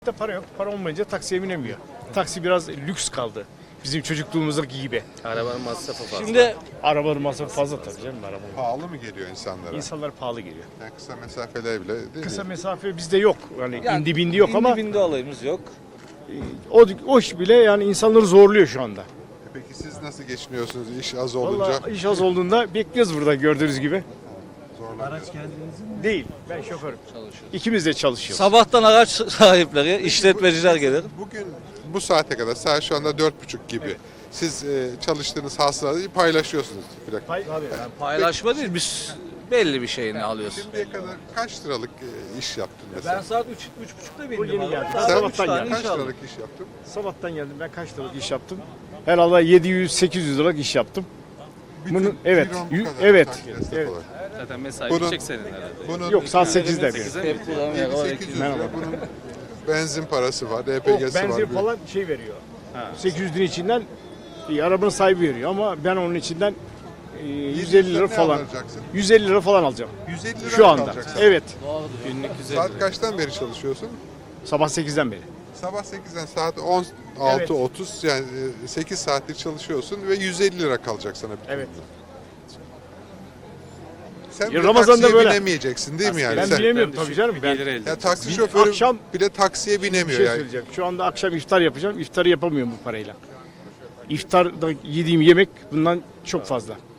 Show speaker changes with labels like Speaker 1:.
Speaker 1: Para yok. Para olmayınca taksiye binemiyor. Taksi biraz lüks kaldı. Bizim çocukluğumuzdaki gibi.
Speaker 2: Arabanın masrafı fazla.
Speaker 1: Şimdi arabanın masrafı fazla tabii canım. Arabanın.
Speaker 3: Pahalı mı geliyor insanlara?
Speaker 1: İnsanlar pahalı geliyor.
Speaker 3: Yani kısa mesafeler bile değil
Speaker 1: Kısa
Speaker 3: mi?
Speaker 1: mesafe bizde yok. Yani indi bindi yok ama
Speaker 2: bindi olayımız yok.
Speaker 1: o iş bile yani insanları zorluyor şu anda.
Speaker 3: Peki siz nasıl geçiniyorsunuz iş az olunca?
Speaker 1: Vallahi iş az olduğunda bekliyoruz burada gördüğünüz gibi.
Speaker 3: Zorlanıyor.
Speaker 1: Değil. Ben şoförüm. İkimiz de çalışıyoruz.
Speaker 2: Sabahtan araç sahipleri, işletmeciler gelir.
Speaker 3: Bugün bu saate kadar saat şu anda 4.30 gibi. Siz çalıştığınız hasılatı paylaşıyorsunuz.
Speaker 2: Paylaşma değil, biz belli bir şeyini alıyoruz.
Speaker 3: Şimdiye kadar kaç liralık iş yaptın mesela?
Speaker 2: Ben saat 3.30'da
Speaker 1: Bu
Speaker 2: bindim.
Speaker 1: yeni
Speaker 2: abi.
Speaker 1: geldi.
Speaker 2: Daha
Speaker 3: Sen
Speaker 2: üç tane
Speaker 3: kaç
Speaker 2: iş aldım.
Speaker 3: liralık iş yaptın?
Speaker 1: Sabahtan geldim. Ben kaç liralık iş yaptım? Herhalde 700-800 liralık iş yaptım. Bunun evet.
Speaker 3: Ciron bu kadar
Speaker 1: Evet.
Speaker 3: taksiye destek
Speaker 1: Evet.
Speaker 3: olarak.
Speaker 4: Zaten mesai
Speaker 3: Bunun-
Speaker 4: bitecek senin herhalde.
Speaker 3: Bunun
Speaker 1: Yok saat 8'de bir.
Speaker 4: 8'e mi?
Speaker 2: Hep kullanım ya, o
Speaker 3: 800 lira
Speaker 1: Merhaba.
Speaker 3: bunun benzin parası var,
Speaker 1: O
Speaker 3: DPG'si var.
Speaker 1: benzin falan şey veriyor. 800 lira içinden arabanın sahibi veriyor ama ben onun içinden 150 lira
Speaker 3: Ne
Speaker 1: falan.
Speaker 3: alacaksın?
Speaker 1: 150 lira falan alacağım.
Speaker 3: 150 lira
Speaker 1: Şu anda.
Speaker 3: kalacaksın.
Speaker 1: Evet.
Speaker 4: Günlük 150
Speaker 3: Saat
Speaker 4: lira.
Speaker 3: kaçtan beri çalışıyorsun?
Speaker 1: Sabah 8'den beri.
Speaker 3: Sabah 8'den saat 16.30 yani 8 saattir çalışıyorsun ve 150 lira kalacak sana. bütün
Speaker 1: Evet.
Speaker 3: gün. Sen
Speaker 1: Ya
Speaker 3: bile
Speaker 1: Ramazan'da
Speaker 3: taksiye
Speaker 1: böyle.
Speaker 3: binemeyeceksin değil mi yani?
Speaker 1: Ben
Speaker 3: Sen,
Speaker 1: bilemiyorum
Speaker 4: düşük
Speaker 1: tabii canım.
Speaker 4: bir
Speaker 1: Ben
Speaker 4: gelir elde
Speaker 3: ya taksi
Speaker 1: Bir
Speaker 3: şoförü
Speaker 1: akşam
Speaker 3: bile taksiye
Speaker 1: bir
Speaker 3: binemiyor
Speaker 1: şey
Speaker 3: yani.
Speaker 1: söyleyeceğim. Şu anda akşam iftar yapacağım. İftarı yapamıyorum bu parayla. İftarda yediğim yemek bundan çok fazla.